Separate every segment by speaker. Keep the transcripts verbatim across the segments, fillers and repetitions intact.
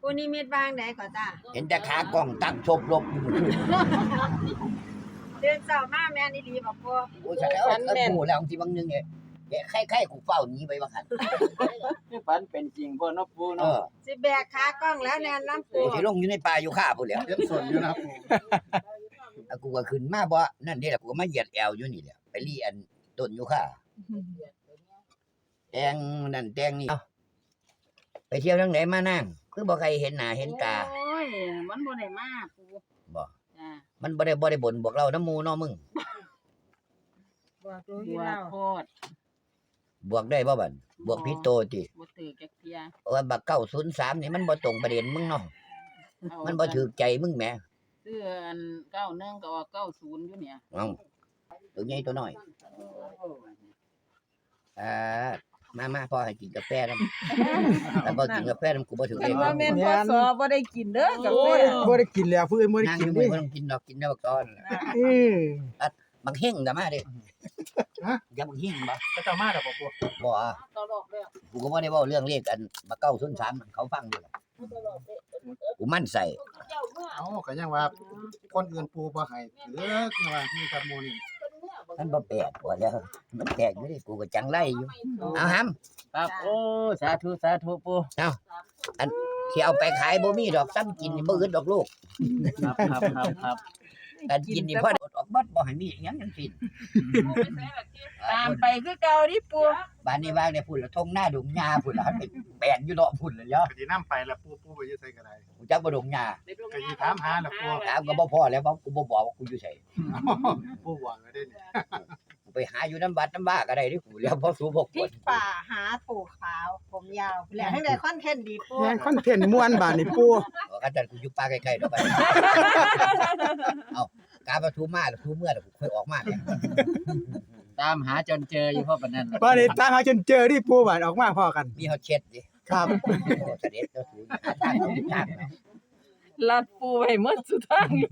Speaker 1: ปูนิมิตวางไหนก่อนจ้า
Speaker 2: เห็นแต่ขากล้องตั้งชบลบอยู่
Speaker 1: เดินเจ้ามาแม่นอีหลีบ่ปู
Speaker 2: โอ้ยฉันแล้วก็พูดแล้วทีบางนึงเนี่ยแกไข่ไข่กูเฝ้าหนีไปว่าคั่น
Speaker 3: คือฝันเป็นจริงบ่เนาะปู
Speaker 2: เอ
Speaker 3: เนาะ
Speaker 2: อ
Speaker 1: สิแบกขากล้องแล้วแน่นน้ำปู
Speaker 2: สิลงอยู่ในป่าอยู่ข้าพุ่นแหล้ว
Speaker 4: เล่นสนอยู่นะครับผม
Speaker 2: แล้วกูก็ขึ้นมาบ่นั่นเด้ล่ะกูก็มาเหยียดแอวอยู่นี่แหละไปรีอันต้นอยู่ข้าแตงนั่นแตงนี่ไปเที่ยวทางไหนมานั่งคือบ่ใครเห็นหน้าเห็นตา
Speaker 5: โอ้ยมันบ่ได้มาปู
Speaker 2: บ่
Speaker 5: จ้า
Speaker 2: มันบ่ได้บ่ได้บ่นบอกเราน้ำหมู่เนาะมึง
Speaker 1: บอกดู
Speaker 5: บั
Speaker 1: อยู่
Speaker 5: ว
Speaker 1: แล้ว
Speaker 5: โคตร
Speaker 2: บวกได้บ่บัดบวกผิดโตติ
Speaker 5: บ่ถือจักเที่ย
Speaker 2: เพราะว่าบักเก้าศูนย์สามนี่มันบ่ตรงประเด็นมึงเนาะ
Speaker 5: เอา
Speaker 2: มันบ่ถูกใจมึงแหม
Speaker 5: ซื้ออันเก้าหนึ่งก็ว่าเก้าศูนย์อยู่เนี่ย
Speaker 2: เอ้าตัวใหญ่ตัวน้อยอ่ามามาพ่อให้กินกาแฟนำแต่บ่กินกาแฟนำกูบ่ถูกเล
Speaker 6: คั
Speaker 2: ย
Speaker 6: นว่าแม่นพศบ่ได้กินเด้อกาแฟ
Speaker 4: บ่ได้กินแล้วผู้อื่นบ่ได้
Speaker 2: นั่ง
Speaker 4: กิ
Speaker 2: อน ยู่
Speaker 4: เด้
Speaker 2: มื้อบ่ต้องกินดอกกินได้บักตอน
Speaker 4: เออ
Speaker 2: บักเฮงก็มาเด้
Speaker 4: ฮะ
Speaker 2: อย่าบักเฮงบ่
Speaker 3: ก็เจ้ามาดอกบ่ปู
Speaker 2: บ่อะ
Speaker 5: ตลอดแล้ว
Speaker 2: กูก็บ่ได้เว้าเรื่องเลขอันบักเก้าศูนย์สามเขาฟังอยู่ล่ะกูมั่นใส่
Speaker 4: เอ้าก็ยังว่าคนอื่นปูบ่ให้ถือคือว่ามีกับหมู่นี่
Speaker 2: มันบ่แปลกกว่าแล้วมันแปลกอยู่ดิกูก็จังไรอยู่เอาหำ
Speaker 3: ครับโอ้สาธุสาธุปู
Speaker 2: สิเอาไปขายบ่มีดอกซ้ำกินนี่บ่อึดดอกลูก
Speaker 3: ครับครับครับครับ
Speaker 2: การกินนี่พอออกบัดบ่ให้มีหยังจังซี่
Speaker 5: ตามไปคือเก่าดิปู
Speaker 2: บ้านนี้วางได้พุ่นละทงหน้าดงหญ้าพุ่นละไปแปลนอยู่เนาะพุ่นละเนาะ
Speaker 4: ก็สินำไปแล้วปูปูไปอยู่ไสก็ได้
Speaker 2: กูจักบ่ดงหญ้า
Speaker 4: ก็สิถามหาแล้วปู
Speaker 2: ถามก็บ่พอแล้วเพราะกูบ่บอกว่ากูอยู่ไส
Speaker 4: ปูหวังก็ได้นี่
Speaker 2: กูไปหาอยู่น้ำบัดน้ำบ้าก็ได้ดิกูแล้วพอสูบก
Speaker 1: พริกป่าหาปูขาวผมยาวแล้วทั้งใดคอนเทนต์ดีปู
Speaker 4: แม่นคอนเทนต์ม่วนบาดนี่ปู
Speaker 2: ก็กันจันกูอยู่ป่าใกล้ๆเนาะไปเอากาประตูมาแล้วทูเมื่อแล้วกูค่อยออกมาเนี่ย
Speaker 3: ตามหาจนเจออยู่เพราะปานนั้น
Speaker 4: บ่ได้ตามหาจนเจอที่ปูบาดออกมาพอกัน
Speaker 2: มีเฮาเช็ดดิ
Speaker 4: ครับ
Speaker 2: โอ้เสด็จเจ้าสูหาทางเอาทางเนาะ
Speaker 5: ลัดปูไว้หมดสุดทางอยู่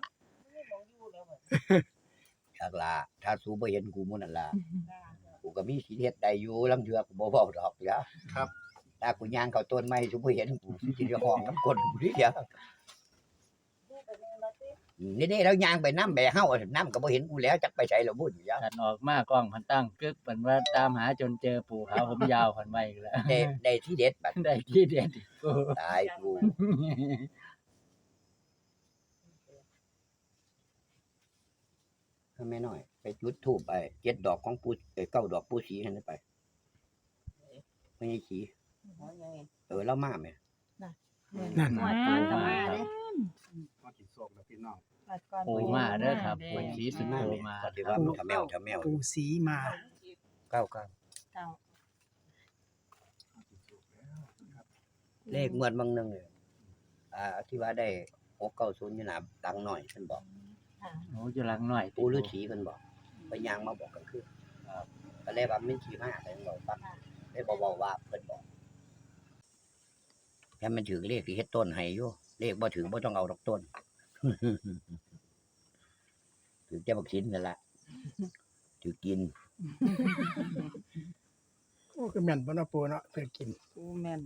Speaker 2: จักล่ะถ้าสูบ่เห็นกูมื้อนั่นล่ะกูก็มีสิเฮ็ดได้อยู่ลางเทื่อกูบ่เว้าดอกเด้อ
Speaker 4: ครับ
Speaker 2: ถ้ากูย่างเข้าต้นไม้สูบ่เห็นกูสิได้ห้องน้ำก้นกูดิเด้อนี่ๆแล้วย่างไปน้ำแบเฮาน้ำก็บ่เห็นกูแล้วจักไปไสแล้วบุญยะ
Speaker 3: ท่านออกมากล้องพันตั้งกึกเพิ่นว่าตามหาจนเจอปู่ขาวผมยาวเพิ่นไว้อีกแล้ว
Speaker 2: ได้ได้ที่เด็ดบัด
Speaker 3: ได้ที่เด็ดอีกปู
Speaker 2: ตายกูทำไมน้อย ไปจุดธูปไปเจ็ดดอกของปู่เอ้ยเก้าดอกปู่ศรีนั่นไปไม่ใช่สีเออแล้วมาแม่
Speaker 4: นั่น
Speaker 1: หมดก่อนก็มาเด้
Speaker 4: มากินโศกแล้วพี่น้อง
Speaker 1: หมดก่อน
Speaker 3: ปูมาเด้อครับปู่ศรีสุโธมา
Speaker 2: ก็ถือว่าทำแมวทำแมว
Speaker 4: ปูสีมา
Speaker 2: เก้าเก้า
Speaker 1: เก้า
Speaker 2: เลขงวดบางหนึงเลยอ่าที่ว่าได้หกเก้าศูนย์อยู่หนาดังหน่อยเพิ่นบอก
Speaker 3: โอ้อยู่หลังหน่อย
Speaker 2: ปู่ฤาษีเพิ่นบอกไปย่างมาบอกกันคือครับก็เลยว่ามันขี่มาแต่ยังบอกฟังได้บอกบอกว่าเพิ่นบอกแค่มันถือเลขที่เฮ็ดต้นให้อยู่เลขบ่ถือบ่ต้องเอาดอกต้น ถือแต่บักสินนั่นล่ะถือกิน
Speaker 4: โอ้คือแม่นบ่เนาะปูเนาะเพิ่นกิน
Speaker 5: ปูแม่น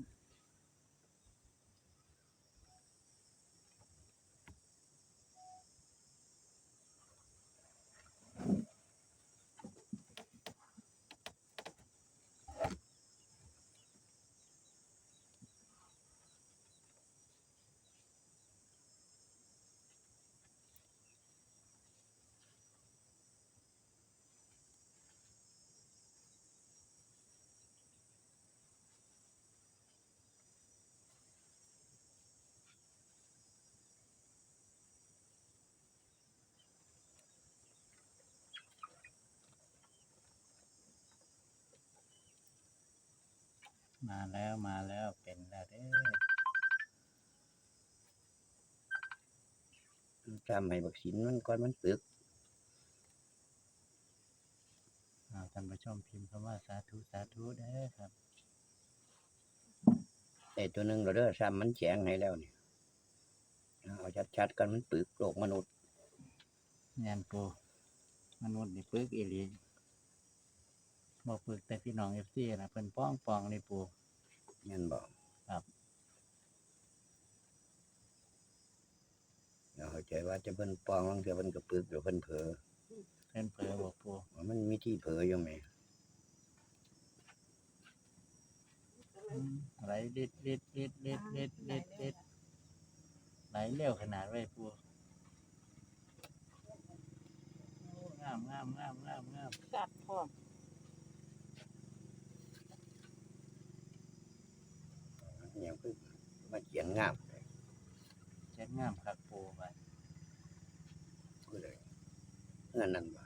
Speaker 3: มาแล้วมาแล้วเป็นแล้วเด้อ
Speaker 2: จำให้บักสินมันก่อนมันปึก
Speaker 3: อ่าท่านผู้ชมพิมพ์คำว่าสาธุสาธุเด้อครับ
Speaker 2: ได้ตัวหนึงแล้วเด้อซ้ำมันแจงให้แล้วนี่เอาชัดๆกันมันปึกโลกมนุษย์
Speaker 3: แม่นปูมนุษย์นี่ปึกอีหลีบ่ปึกแต่พี่น้อง เอฟ ซี น่ะเพิ่นป้องปองเลยปู
Speaker 2: แม่นบ่
Speaker 3: ครับ
Speaker 2: ใจว่าจะเพิ่นปองลางเทื่อเพิ่นก็ปึกเดี๋ยวเพิ่นเผลอ
Speaker 3: เพิ่นเผลอบ่ปู
Speaker 2: มันมีที่เผลออยู่แหม
Speaker 3: อืมไหลลิดลิดลิดลิดลิดลิดลิดไหลเร็วขนาดไว้ปูโอ้งามงามงามงามงาม
Speaker 5: สัตว์พร้อม
Speaker 2: เนี่ยเพิ่นมาเขียนงาม
Speaker 3: เจ็ดงามคักปูไป
Speaker 2: คือเลยเงินนั่นบ่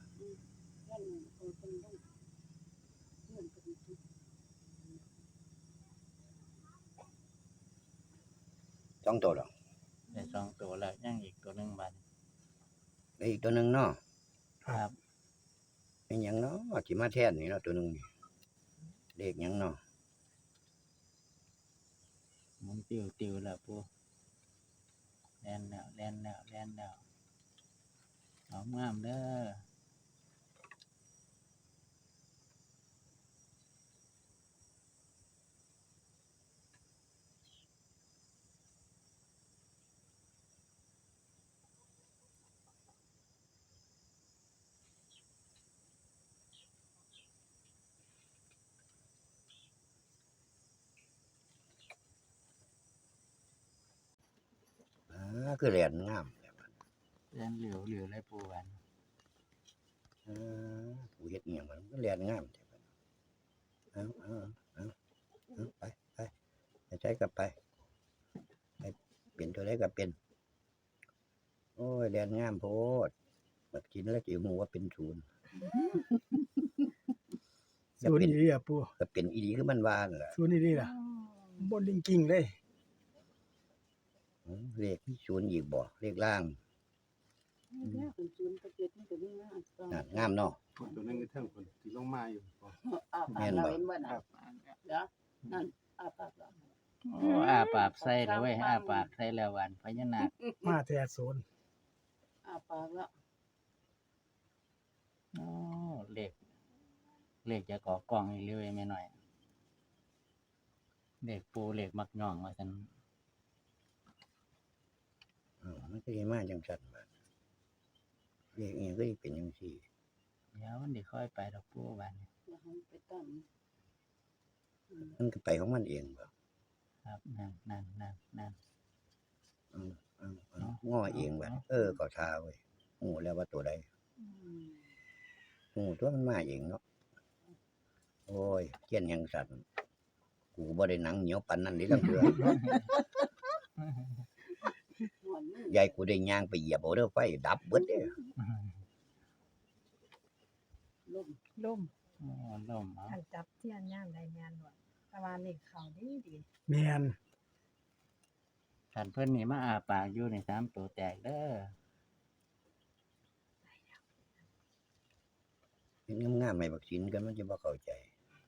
Speaker 2: สองตัวหรอ
Speaker 3: ได้สองตัวแล้วยังอีกตัวหนึงบัด
Speaker 2: แล้วอีกตัวหนึงเนาะ
Speaker 3: ครับ
Speaker 2: เป็นหยังเนาะสิมาแทนนี่เนาะตัวหนึงนี่เลขหยังเนาะ
Speaker 3: หมุนติวติวแล้วปูแล่นแล้วแล่นแล้วแล่นแล้วเอางามเด้อ
Speaker 2: อ่าคือแหลนงาม
Speaker 3: แล่นเหลียวเหลียวเลยปูบัด
Speaker 2: อ่าผู้เฮ็ดอีหยังมันก็แหลนงามเอาเอาเอาเอาไปไปไปใช้กลับไปไปเปลี่ยนตัวใดก็เป็นโอ้ยแหลนงามโพดบัดกินแล้วสิฮู้ว่าเป็นศูนย์
Speaker 7: ศูนย์อีหลีอ่ะปู
Speaker 2: ก็เป็นอีหลีคือมันว่านั่นล่ะ
Speaker 7: ศูนย์อีหลีล่ะบนลิงกิ้งเลย
Speaker 2: อืมเลขมีศูนย์อีกบ่เลขล่าง
Speaker 5: เนี่ยเป็นศูนย์กับเจ็ดนี่ก็มีงาม
Speaker 2: น่ะงามเนาะ
Speaker 4: ตัวนึงเทิงคนที่ลงมาอยู่บ่
Speaker 5: อาปากเราเห็นบ่น่ะเดี๋ยวนั่นอาปากเรา
Speaker 3: โอ้อาปากใส่แล้วเว้ยอาปากใส่แล้ววันพญานาค
Speaker 7: มาแท้ศูนย์
Speaker 5: อาปากแล้ว
Speaker 3: โอ้เลขเลขจะก่อกล้องอีกเรื่อยไม่หน่อยเลขปูเลขมักย่องว่าซั่น
Speaker 2: เออมันก็สิมาจังซั่นบัดเลขอีหยังก็สิเป็นจังซี่
Speaker 3: เดี๋ยวมันสิค่อยไปดอกปูบัดนี้
Speaker 5: อย่าให้ไปตั้ง
Speaker 2: มันก็ไปของมันเองบ่
Speaker 3: ครับนั่นนั่นนั่นนั่น
Speaker 2: อืมอืมอืมง้อเองบัดเออก็ท่าเว้ยฮู้แล้วว่าตัวใด
Speaker 5: อืม
Speaker 2: ฮู้ตัวมันมาเองเนาะโอ้ยเขียนหยังสั่นกูบ่ได้หนังเหนียวปานนั้นเด้ทั้งเทื่อ
Speaker 5: หัวมือย
Speaker 2: ายกูได้ย่างไปเหยียบเอาเด้อไฟดับเบิดเด้
Speaker 5: ล่ม
Speaker 6: ล่ม
Speaker 3: โอ้ล่มเอา
Speaker 1: อันจับเทียนย่างได้แม่นบ่แต่ว่าเลขเขาดีดี
Speaker 7: แมน
Speaker 3: คันเพิ่นนี่มาอาปากอยู่ในสามตัวแตกเด้อ
Speaker 2: เห็นงามๆให้บักสินกันมันจะบ่เข้าใจ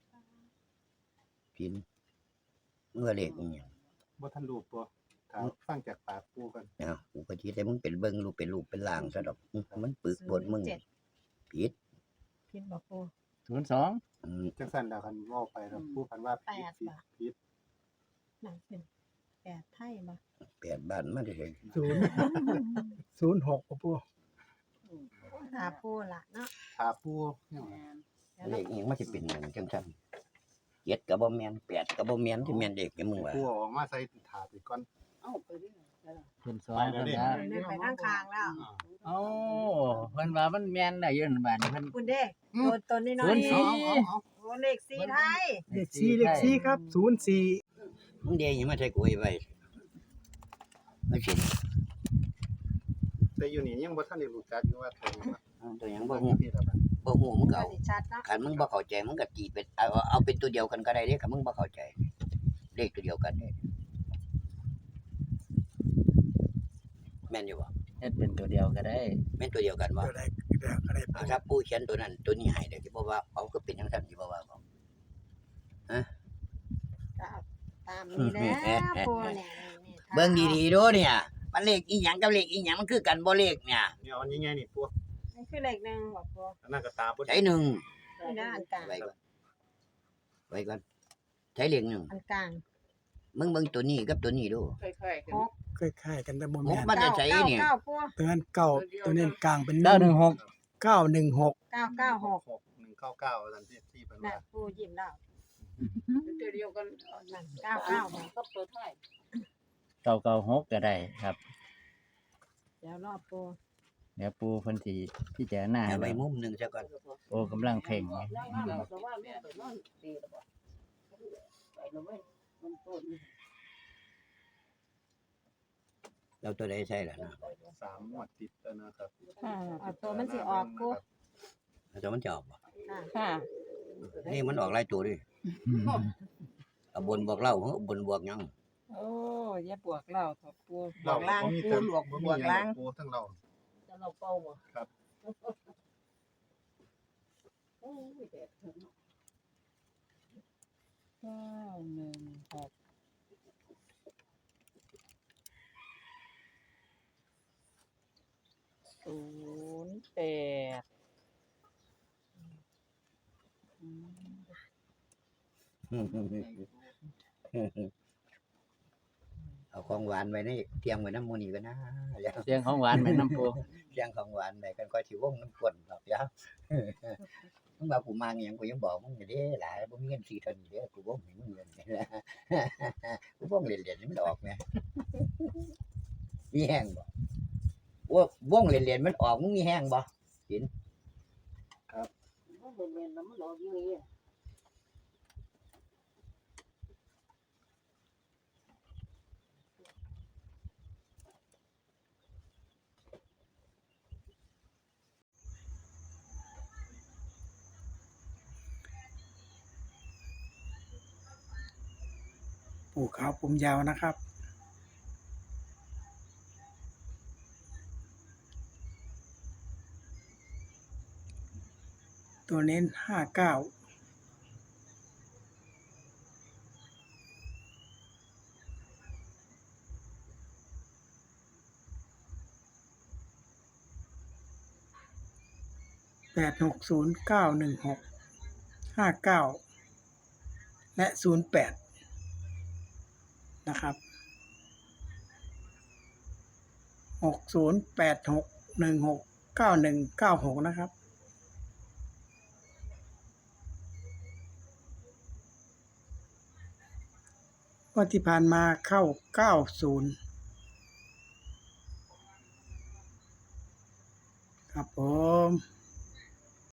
Speaker 2: สินเมื่อเลขอีหยัง
Speaker 4: บ่ทันรูปบ่ถามฟังจากปากปูกัน
Speaker 2: เอ้ากูก็สิได้มึงเป็นเบิ่งรูปเป็นรูปเป็นร่างซะดอกอื้อมันปึกปวดมึง
Speaker 1: เจ็ด
Speaker 2: ผิด
Speaker 1: ผิดบ่ปู
Speaker 3: ศูนย์สอง
Speaker 2: อืม
Speaker 4: จังซั่นแล้วคันเว้าไปแล้วปูคันว่าผิด
Speaker 1: แปด
Speaker 4: ผิด
Speaker 1: บาท
Speaker 4: ผิด
Speaker 1: นั่นเป็นแปดไทยบ่
Speaker 2: แปดบ้านมาได้เลย
Speaker 7: ศูนย์ศูนย์หกอ่ะปู
Speaker 1: หาปูล่ะเนาะ
Speaker 4: ถาปูเนี่ย
Speaker 5: แม่น
Speaker 1: ดี๋ยว
Speaker 2: เล
Speaker 1: เรา
Speaker 2: ขอีหยังมันสิเป็นหยังจังซั่นเจ็ดก็บ่แม่นแปดก็บ่แม่นที่แม่นเด็กแกมึงว่า
Speaker 4: ปูเอาออกมาใส่ถาดไปก่อน
Speaker 5: เอาไปเรื่อยเดี๋ยว
Speaker 3: ศูนย์สอง
Speaker 4: ไปแล้ว
Speaker 3: เพิ่น
Speaker 4: ดิ
Speaker 3: ว่า
Speaker 1: เดินไปข้างคางแล้ว
Speaker 4: อ่า
Speaker 3: โอ้เพิ่นว่ามันแม่นได้อยู่นั่นบัดนี้เพิ่น
Speaker 1: คุณเด้ตัวตัวนี้น้อ
Speaker 3: ศู
Speaker 1: ย
Speaker 3: นย์สอง
Speaker 4: เอาเอา
Speaker 1: โอ้เลขสี่ไทย
Speaker 7: เลขสี่เลขสี่ครับศูนย์สี่
Speaker 2: มึงเดยังมาใส่กูไว้ไว้ไม่สิ
Speaker 4: แต่อยู่นี่ยังบ่ทันได้รู้จักอยู่ว่าตัวนี้ว่า
Speaker 2: เอาตัวหยังบ่ฮู้
Speaker 4: ผิดแล้วบัด
Speaker 2: บ่ฮู้มึงก็
Speaker 1: ก็
Speaker 2: เอา
Speaker 1: สิชัดเนาะ
Speaker 2: คันมึงบ่เข้าใจมึงก็ตีเป็นเอาเอาเป็นตัวเดียวกันก็ได้เด้คันมึงบ่เข้าใจเลขตัวเดียวกันเด้แม่นอยู่บ่
Speaker 3: เฮ็ดเป็นตัวเดียวก็ได้
Speaker 2: แม่นตัวเดียวกันบ่
Speaker 7: อะไรอะไร
Speaker 2: เอาถ้าปู่เขียนตัวนั้นตัวนี้ให้เด้สิบ่ว่าเอาก็เป็นจังซั่นสิบ่ว่าบ่
Speaker 1: ก็เอาตามนี้แหล้วปูเนี่ยนี่ๆ
Speaker 2: เบิ่งดีๆดูเนี่ยมันเลขอีหยังกับเลขอีหยังมันคือกันบ่เลขเนี่ย
Speaker 4: เนี่ยเอาใหญ่ๆนี่ปู
Speaker 1: นี่คือเลขหนึ่งบ่ปู
Speaker 4: อันนั้นก็ตาบ่
Speaker 2: ใช้หนึ่ง
Speaker 1: นี่นะอันกลาง
Speaker 2: ไว้ก่อนไว้ก่อนใช้เลขหนึ่ง
Speaker 1: อันกลาง
Speaker 2: มึงเบิ่งตัวนี้กับตัวนี้ดู
Speaker 5: ค่อยๆกัน
Speaker 1: หก
Speaker 7: คล้ายๆกันแต่บ่
Speaker 2: ห
Speaker 7: แม่
Speaker 2: ก
Speaker 7: น
Speaker 2: มันจะใช้
Speaker 1: เก้า
Speaker 2: นี่
Speaker 1: เก้าปู
Speaker 7: ตัวนั้นเก้าตัวนี้กลางเป็น
Speaker 3: เก้าหนึ่งหก
Speaker 7: เก้าหนึ่งหก
Speaker 1: เก้าเก้าหก
Speaker 4: หกหนึ่งเก้าเก้าทันทีที่เป็น
Speaker 1: น่ะ
Speaker 4: ว่า
Speaker 1: ปูยิ้มแล้ว
Speaker 5: ตัวเดียวกัน
Speaker 1: นั่นเก้าเก้าหก
Speaker 5: ก็ตัวไทย
Speaker 3: เก้าเก้าหกก็ได้ครับ
Speaker 1: เดี๋ยวรอปู
Speaker 3: เดี๋ยวปูเพิ่นสิพิจารณา
Speaker 2: เอาไว้
Speaker 3: แล้ว
Speaker 2: มุมหนึงซะก่อน
Speaker 3: โอ้กำลังเพ่งอยู่
Speaker 5: นั่งนั่งแต่ว่าแม่ไปนอนดีแล้วบ่ไปแล้วเว้ยมันต้น
Speaker 2: เราตัวใดใช่ล่ะนะ
Speaker 4: สามงวดติดแล้วนะครับ
Speaker 6: ค่ะ
Speaker 1: เอาตัวมันสิออกปู
Speaker 2: เราจะมันจะออกบ่
Speaker 1: ค่ะ
Speaker 6: ค่ะ
Speaker 2: นี่มันออกหลายตัวดิเอาบนบวกเล่าเอาบนบวกหยัง
Speaker 6: โอ้อย่าบวกเราเถอะปู
Speaker 1: บวกล่างปูหลวกบวกล่าง
Speaker 4: ปูทั้งเรา
Speaker 5: จะเราเป้าบ่
Speaker 4: ครับ
Speaker 5: โอ้ยแดดเถอะเนาะ
Speaker 6: เก้าหนึ่งหกศูนย์แปดอืม
Speaker 2: เอาของหวานไว้ในเตียงไว้น้ำมูนี่กันนะแล้ว
Speaker 3: เสียงของหวานแม่น้ำปู
Speaker 2: เตียงของหวานไว้กันก็สิวงน้ำกวนดอกยาวมึงว่ากูมาอหยังกูยังบอกมึงอยู่เด้หลายบ่มีเงินสี่เท่านี้เด้อกูบ่มีมึงเงินกูบ่เล่นๆนี่มันออกแหมมีแห้งบ่ว่าวงเล่นๆมันออกมึงมีแห้งบ่
Speaker 5: มันเป็นเวรแล้วมันออกอยู่นี่
Speaker 7: ปู่ขาวผมยาวนะครับ ตัวเน้นห้าเก้าแปดหกศูนย์เก้าหนึ่งหกห้าเก้าและศูนย์แปดนะครับหกศูนย์แปดหกหนึ่งหกเก้าหนึ่งเก้าหกนะครับวันที่ผ่านมาเข้าเก้าศูนย์